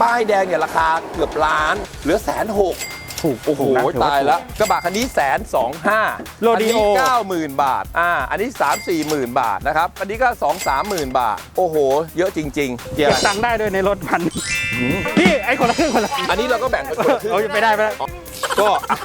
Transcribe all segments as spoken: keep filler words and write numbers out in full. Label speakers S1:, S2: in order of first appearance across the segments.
S1: ป้ายแดงเนี่ยราคาเกือบล้านเหลือแสนหก
S2: ถูก
S1: โอ้โหตายแล้วกระบะคันนี้แสนสองห้า
S2: โรดิโอ
S1: เก้าหมื่นบาทอ่าอันนี้สามสี่หมื่นบาทนะครับอันนี้ก็สองสามหมื่นบาทโอ้โหเยอะจริงๆเกีย
S2: เก็บ
S1: ร์
S2: ตังค์ได้ด้วยในรถพันพี่ไอ้คนละครึ่งคนละ
S1: อันนี้เราก็แบ่งกันคนละครึ่ง
S2: เอาไปได้ไปได้
S1: ก็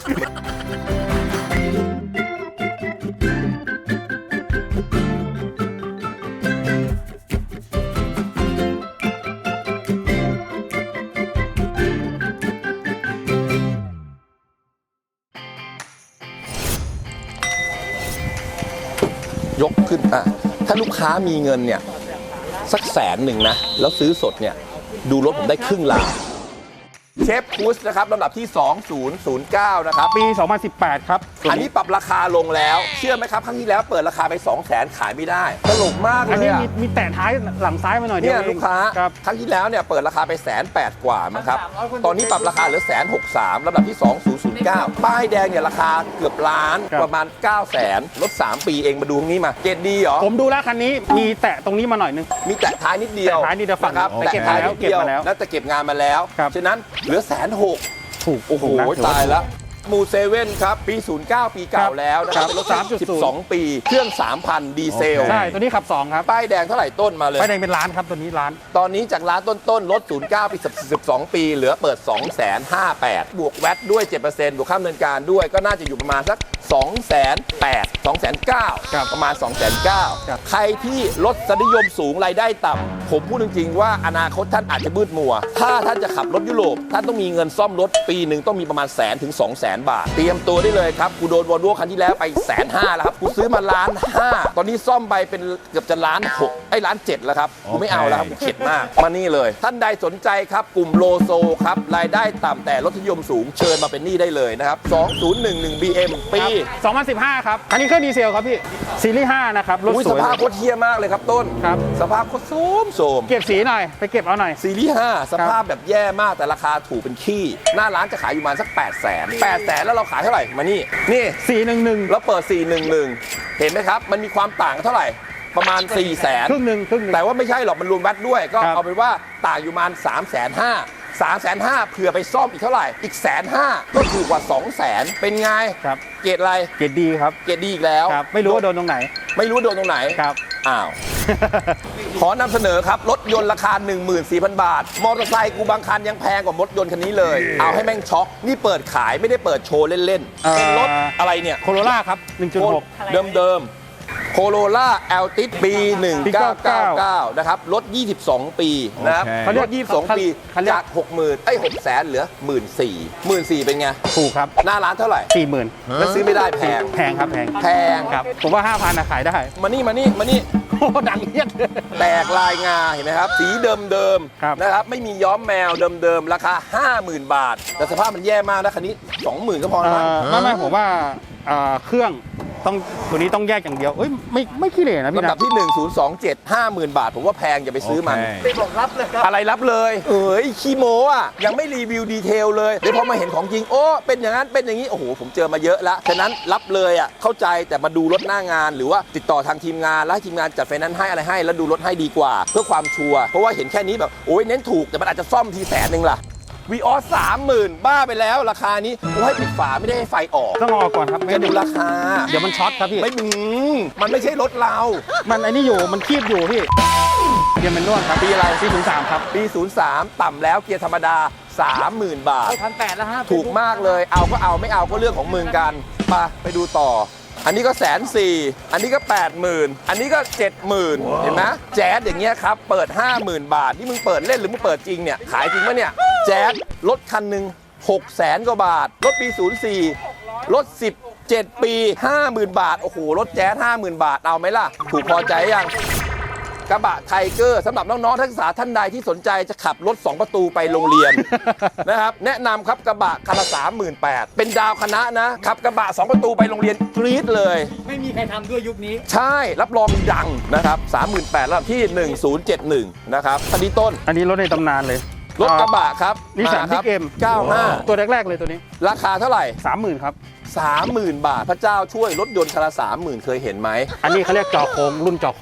S1: ยกขึ้นอ่ะถ้าลูกค้ามีเงินเนี่ยสักแสนหนึ่งนะแล้วซื้อสดเนี่ยดูรถผมได้ครึ่งล้านเชฟคูสนะครับลำดับที่สองศูนย์ศูนย์เก้านะครับ
S2: ปีสองพันสิบแปดครับ
S1: อันนี้ปรับราคาลงแล้วเชื่อไหมครับครั้งที่แล้วเปิดราคาไป สองแสน ขายไม่ได้ตลกมากเลย
S2: อันนี้
S1: อะ
S2: มีมีแตะท้ายหลังซ้ายมาหน่อยเดี
S1: เนี่ย
S2: วย
S1: ลูกค้า
S2: ครับ
S1: ครั้งที่แล้วเนี่ยเปิดราคาไปแสนแปดกว่ามั้งครับตอนนี้ปรับราคาเหลือแสนหกสามลำดับที่สองศูนย์ศูนย์เก้าป้ายแดงเนี่ยราคาเกือบล้านประมาณเก้าแสนลดสามปีเองมาดูตรงนี้มาเกรดดีเหรอ
S2: ผมดูแล้วคันนี้มีแตะตรงนี้มาหน่อยนึง
S1: มีแตะท้ายนิดเดียว
S2: แตะท้ายนิดเดียวฝั่ง
S1: นะครับ
S2: แต่เก็บมาแล้ว
S1: ท้ยนิดดีย
S2: เก็บมาแล้ว
S1: แล้วแต่เก็บงานมาแล้ว
S2: ครับ
S1: ฉะนั้นเหลือแสนหก
S2: ถูก
S1: โอ้โห
S2: ถูกนะถือว่
S1: ตายแล้วมูเซเว่นครับปีศูนย์เก้าปีเก่าแล้วนะครับรถ
S2: สามจุดศูนย์
S1: สิบสองปีเครื่อง สามพัน ดีเซล
S2: ใช่ตัวนี้ขับสองครับ
S1: ป้ายแดงเท่าไหร่ต้นมาเลย
S2: ไฟแดงเป็นล้านครับตัวนี้ล้าน
S1: ตอนนี้จากร้านต้นๆรถศูนย์เก้าปีสิบสองปีเหลือเปิด สองแสนห้าหมื่นแปดพัน บวกแวตด้วย เจ็ดเปอร์เซ็นต์ บวกค่าดำเนินการด้วยก็น่าจะอยู่ประมาณสัก สองแสนแปดหมื่น สองแสนเก้าหมื่น
S2: ครับ
S1: ประมาณ สองแสนเก้าหมื่น
S2: ครับ
S1: ใครที่รถนิยมสูงรายได้ต่ำผมพูดจริงๆว่าอนาคตท่านอาจจะมืดมัว ถ้าท่านจะขับรถยุโรปท่านต้องมีเงินซ่อมรถปีหนึ่งต้องมีประมาณแสนถึงสองแสนบาท เตรียมตัวได้เลยครับกูโดนวอลโว่คันที่แล้วไปแสนห้าแล้วครับกูซื้อมาล้านห้าตอนนี้ซ่อมไปเป็นเกือบจะล้านหกไอ้ล้านเจ็ดแล้วครับกูไม่เอาแล้วครับกูเข็ดมากมานี่เลย ท่านใดสนใจครับกลุ่มโลโซครับรายได้ต่ำแต่รถนิยมสูงเชิญมาเป็นหนี้ได้เลยนะครับสองศูนย์หนึ่งหนึ่ง บี เอ็ม ปี
S2: สองพันสิบห้าครับอันนี้เครื่องดีเซลครับพี่ซีรีส์ห้านะครับรถ
S1: อุ้ย
S2: ส
S1: ส
S2: วย
S1: ภาพโคตรเฮี้ยมากเลยครับต้น
S2: ครับ
S1: สภาพโคตรโสมโสม
S2: เก็บสีหน่อยไปเก็บเอาหน่อย
S1: ซีรีส์ห้าสภาพแบบแย่มากแต่ราคาถูกเป็นขี้หน้าร้านจะขายอยู่ประมาณสัก แปดแสน แปดแสนแล้วเราขายเท่าไหร่มานี่นี่
S2: สี่หนึ่งหนึ่ง
S1: แล้วเปิด สี่หนึ่งหนึ่ง เห็นไหมครับ มันมีความต่างเท่าไหร่ ประมาณ สี่แสน
S2: ครึ่งหนึ่งครึ่งหนึ่ง
S1: แต่ว่าไม่ใช่หรอก มันรวมแวตด้วย ก็
S2: ครับ
S1: เอาเป็นว่าต่างอยู่ประมาณ สามแสนห้า สามแสนห้าเผื่อไปซ่อมอีกเท่าไหร่ อีกแสนห้าก็ถูกกว่า สองแสน เป็นไง
S2: ครับ
S1: เกรดอะไร
S2: เกรดดีครับ
S1: เกรดดีอีกแล้ว
S2: ครับไม่รู้ว่าโดนตรงไหน
S1: ไม่รู้โดนตรงไหน
S2: ครับ
S1: อ้าว ขอนำเสนอครับ รถยนต์ราคา หนึ่งหมื่นสี่พัน บาท มอเตอร์ไซค์กูบางคันยังแพงกว่ารถยนต์คันนี้เลย เอาให้แม่งช็อก นี่เปิดขายไม่ได้เปิดโชว์เล่นๆ เป็นรถอะไรเนี่ย
S2: โคโรล่าครับ หนึ่งจุดหก
S1: เดิมๆโคโรล่าแอลติสปีหนึ่งเก้าเก้าเก้านะครับรถยี่สิบสองปีนะครับ
S2: โอเค
S1: เขาเรียกยี่สิบสองปี
S2: เขาเรียก
S1: จาก หกหมื่นเอ้ยหกแสนเหลือ หนึ่งหมื่นสี่พัน หนึ่งหมื่นสี่พัน เป็นไง
S2: ถูกครับ
S1: หน้าร้านเท่าไหร่
S2: สี่หมื่น
S1: แล้วซื้อไม่ได้แพง
S2: แพงครับแพง
S1: แพง
S2: ครับผมว่าห้าพันขายได้
S1: มานี่มานี่มานี่
S2: โอ้ดังเยียด
S1: แตกลายงาเห็นไหมครับ สีเดิม
S2: ครับ
S1: ๆนะครับไม่มีย้อมแมวเดิมๆราคา ห้าหมื่น บาท แต่สภาพมันแย่มากนะคันนี้ สองหมื่น ก็พอแล้วมั้ง
S2: ไม่ไม่ผมว่าเอ่อเครื่องต้องตัวนี้ต้องแยกอย่างเดียวเอ้ยไม่ไม่ขี้เหร่นะพี่
S1: ลำดั
S2: นะ
S1: บที่ หนึ่งศูนย์สองเจ็ด ห้าหมื่น บาท ผมว่าแพงอย่าไปซื้อมัน
S2: ไปบอกรับเลยครับ
S1: อะไรรับเลย เอ้ยขี้โมอ่ะ ยังไม่รีวิวดีเทลเลย เดี๋ยวพอมาเห็นของจริง โอ้ เป็นอย่างนั้น เป็นอย่างนี้ โอ้โห ผมเจอมาเยอะแล้วฉะนั้นรับเลยอ่ะ เข้าใจแต่มาดูรถหน้างาน หรือว่าติดต่อทางทีมงาน แล้วให้ทีมงานจัดไฟแนนซ์ให้อะไรให้ แล้วดูรถให้ดีกว่า เพื่อความชัวร์ เพราะว่าเห็นแค่นี้แบบ โอ้ยเน้นถูก แต่มันอาจจะซ่อมทีแสนหนึ่งล่ะวีออสสามหมื่นบ้าไปแล้วราคานี้โอ้ให้ปิดฝาไม่ได้ให้ไฟออก
S2: ต้องออกก่อนครับไม่
S1: จะดูราคา
S2: เดี๋ยวมันช็อตครับพี่
S1: ไม่อืมมันไม่ใช่รถเรา
S2: มันไอ้นี่อยู่มันคีบอยู่พี่เกียร์มันร่วงครับ
S1: ปีอะไร
S2: ปีศูนย์สามครับ
S1: ปี ศูนย์สาม ต่ำแล้วเกียร์ธรรมดา สามหมื่น บาท
S2: พันแปดแล้วฮะ
S1: ถูกมากเลย เอาก็เอาไม่เอาก็เรื่องของมึงกันไปไปดูต่อ อันนี้ก็แสนสี่อันนี้ก็แปดหมื่นอันนี้ก็เจ็ดหมื่นเห็นไหมแจ๊สอย่างเงี้ยครับ เปิด ห้าหมื่น บาท นี่มึงเปิดเล่นหรือมึงเปิดจริงเนี่ย ขายจริงปะเนี่ย แจ๊สรถคันหนึ่งหกแสนกว่าบาท รถปี ศูนย์สี่ รถ สิบเจ็ด ปี ห้าหมื่น บาท โอ้โห รถแจ๊ส ห้าหมื่น บาท เอาไหมล่ะ ถูกพอใจยังกระบะไทเกอร์สำหรับน้องๆนักศึกษาท่านใดที่สนใจจะขับรถสองประตูไปโรงเรียน นะครับแนะนำครับกระบะคันละสามหมื่นแปดเป็นดาวคณะนะขับกระบะสองประตูไปโรงเรียนกรี๊ดเลย
S3: ไม่มีใครทำด้วยยุคนี้
S1: ใช่รับรองดังนะครับสามหมื่นแปดแล้วที่หนึ่งศูนย์เจ็ดหนึ่งนะครับคันนี้ต้น
S2: อันนี้รถในตำนานเลย
S1: รถกระบะครับ
S2: นิสสัน
S1: มาค
S2: พิ
S1: รั
S2: กเอ็ม
S1: เก้าห้า
S2: ตัวแรกๆเลยตัวนี้
S1: ราคาเท่าไหร่
S2: สามหมื่นครับ
S1: สามหมื่น บาทพระเจ้าช่วยรถยนต์คันละสามหมื่นเคยเห็นไหม
S2: อันนี้เขาเรียกจอโค้งรุ่นจอโค้ง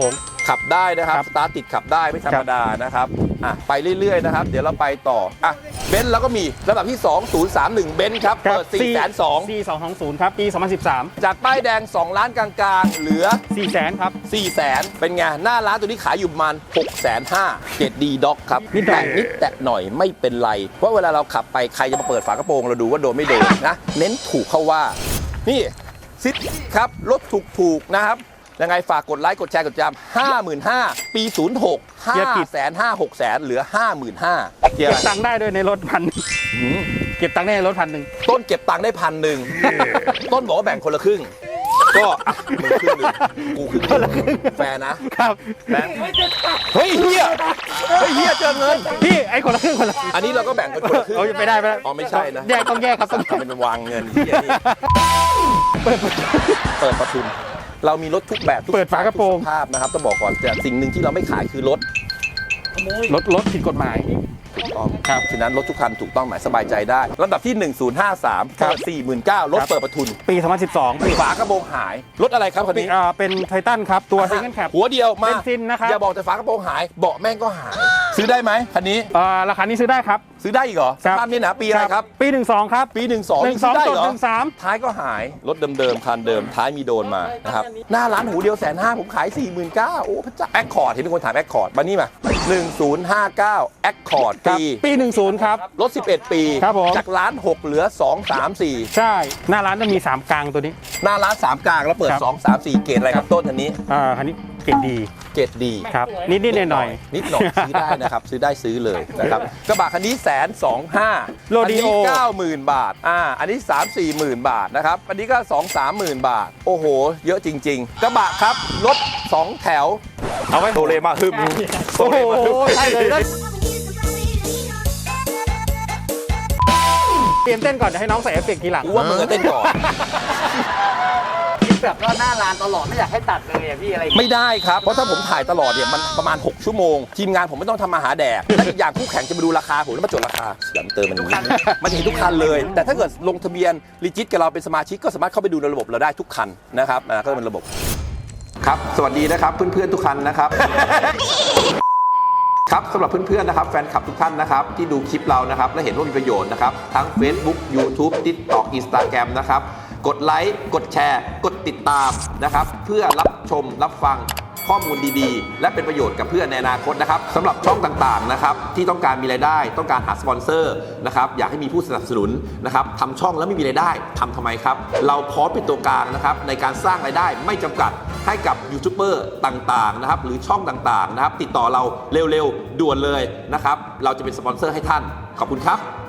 S1: ขับได้นะครับ
S2: ครับ
S1: สตาร์ทติดขับได้ไม่ธรรมดานะครับอ่ะไปเรื่อยๆนะครับเดี๋ยวเราไปต่ออ่ะเบนซ์เราก็มีลำดับที่สอง ศูนย์ สาม หนึ่งเบนซ์ครับเปิด สี่แสนสอง
S2: สี่สองสองศูนย์ครับปีสองพันสิบสาม
S1: จากป้ายแดงสองล้านกลางๆเหลือ
S2: สี่แสนครับ
S1: สี่แสนเป็นไงหน้าร้านตัวนี้ขายอยู่ประมาณหกแสนห้าเกรดดีด็อกครับ
S2: นิดหน่อย
S1: แตะนิดแตะหน่อยไม่เป็นไรเพราะเวลาเราขับไปใครจะมาเปิดฝากระโปรงเราดูว่าโดนไม่โดนนะเน้นถูกเข้าว่านี่ซิดครับรถถูกๆนะครับยังไงฝากกดไลค์กดแชร์กดจำห้าหมื่นห้าปีศูนย์หกห้าแสนห้าหกแสนเหลือห้าหมื่นห้าเกีย
S2: เก็บ
S1: ร์
S2: ตังค์ได้ด้วยในรถพันเก็บตังค์ได้ในรถพันหนึ่ง
S1: ต้นเก็บตังค์ได้พันหนึ่งต้นบอกว่าแบ่งคนละครึ่งก็อ่ะมึงครึ่งหนึ่งกูครึ่งหนึ่งแฟร์นะครับ แบงค์เฮ้ยเฮียเฮ้ยเฮียเจอเงิน
S2: พี่ไอ้คนละครึ่งคนละ
S1: อันนี้เราก็แบ่งกันคนละครึ่ง
S2: โอ้ยไม่ได้ไม่ได้
S1: อ๋อไม่ใช่นะ
S2: แยกต้องแยกครับต้องแยก
S1: ทำเป็นวางเงินเฮียนี่เปิดประทุนเรามีรถทุกแบบทุ
S2: เปิดฝากระโปรง
S1: ทุสภาพนะครับต้องบอกก่อนแต่สิ่งหนึ่งที่เราไม่ขายคือรถ
S2: รถรถผิดกฎหมาย
S1: ถูกต้อง
S2: ครับ
S1: ฉะนั้นรถทุกคันถูกต้องหมายสบายใจได้ลำดับที่ หนึ่งศูนย์ห้าสาม
S2: ครับ
S1: เปิด สี่หมื่นเก้าพัน รถ
S2: ครับ
S1: เปิดประทุน
S2: ปีสองพันสิบสอง
S1: ฝากระโปรงหายรถอะไรครับคันนี้
S2: อ่าเป็นไททันครับตัวซิงเกิลแคป
S1: หัวเดียวมา
S2: เบนซินนะครับ
S1: อย่าบอกแต่ฝากระโปรงหายเบาะแม่งก็หาย ซื้อได้ไหมคันนี้
S2: อ่าราคานี้ซื้อได้ครับ
S1: ซื้อได้อีกเหรอส
S2: ครับ
S1: ภาพนี้นะปีอะไรครับ
S2: ปีหนึ่งสองครับ
S1: ปีหนึ่งสอง
S2: หนึ่งสอง
S1: ซื้ได้
S2: จด
S1: เหรอ
S2: หนึ่งสาม
S1: ท้ายก็หายรถเดิมๆคันเดิมท้ายมีโดนมานะครับหน้าร้านหูเดียวแสนห้าผมขาย สี่หมื่นเก้าพัน โอ้พระเจ้าแอคคอร์ดเห็นมีคนถามแอคคอร์ดมานี่มาหนึ่งศูนย์ห้าเก้าแอคคอร์ด
S2: ครับ
S1: ปี
S2: ปีหนึ่งศูนย์ครับ
S1: รถสิบเอ็ดปี
S2: ครับผม
S1: จากล้านหกเหลือสอง สาม สี่
S2: ใช่หน้าร้านจะมีสามกลางตัวนี้
S1: หน้าร้านสามกลางแล้วเปิด
S2: ครับ
S1: สอง สาม สี่เกรดอะไรครับต้นอันนี้
S2: อ่าคันนี้เกรดดี
S1: เกรดดี
S2: ครับนิดนิดหน่อยหน่อย
S1: นิดหน่อยซื้อได้นะครับ ซื้อได้ซื้อเลยนะครับกระบะคันนี้แสนสองห้า
S2: โรดิโอ
S1: อันนี้เก้าหมื่นบาทอ่าอันนี้สามสี่หมื่นบาทนะครับอันนี้ก็สองสามหมื่นบาท โอ้โห เยอะจริง ๆ กระบะครับรถสองแถว
S2: เอาไว้
S1: โตเลมาฮึมโต
S2: โอ้โห
S1: เลมาฮึม
S2: ใช่เลยเตรียมเต้นก่อนจะให้น้องใส่เอฟเฟกต์ทีหลัง
S1: กูว่ามึงจะเต้นก่อน
S3: คลิปแบบว่าหน้าร้านตลอดไม่อยากให้ตัดเลยอ่ะพี่อะไรอย่างเงี้ย
S1: ไม่ได้ครับ เพราะถ้าผมถ่ายตลอดเนี่ยมันประมาณ 6 ชั่วโมง ทีมงานผมไม่ต้องทำมาหาแดก และอีกอย่างคู่แข่งจะมาดูราคาผมแล้วมาจดราคาเสียมเติมมันมันจะเห็นทุกคันเลย แต่ถ้าเกิดลงทะเบียนรีจิตกับเราเป็นสมาชิกก็สามารถเข้าไปดูในระบบเราได้ทุกคันนะครับนะก็เป็นระบบครับสวัสดีนะครับเพื่อนๆทุกคันนะครับ ครับสำหรับเพื่อนๆนะครับแฟนคลับทุกท่านนะครับที่ดูคลิปเรานะครับและเห็นว่ามีประโยชน์นะครับทั้ง Facebook YouTube TikTok Instagram นะครับกดไลค์กดแชร์ กดติดตามนะครับเพื่อรับชมรับฟังข้อมูลดีๆ และเป็นประโยชน์กับเพื่อนในอนาคตนะครับสำหรับช่องต่างๆนะครับที่ต้องการมีรายได้ต้องการหาสปอนเซอร์นะครับอยากให้มีผู้สนับสนุนนะครับทำช่องแล้วไม่มีรายได้ทำทำไมครับเราพร้อมเป็นตัวกลางนะครับในการสร้างรายได้ไม่จำกัดให้กับยูทูบเบอร์ต่างๆนะครับหรือช่องต่างๆนะครับติดต่อเราเร็วๆด่วนเลยนะครับเราจะเป็นสปอนเซอร์ให้ท่านขอบคุณครับ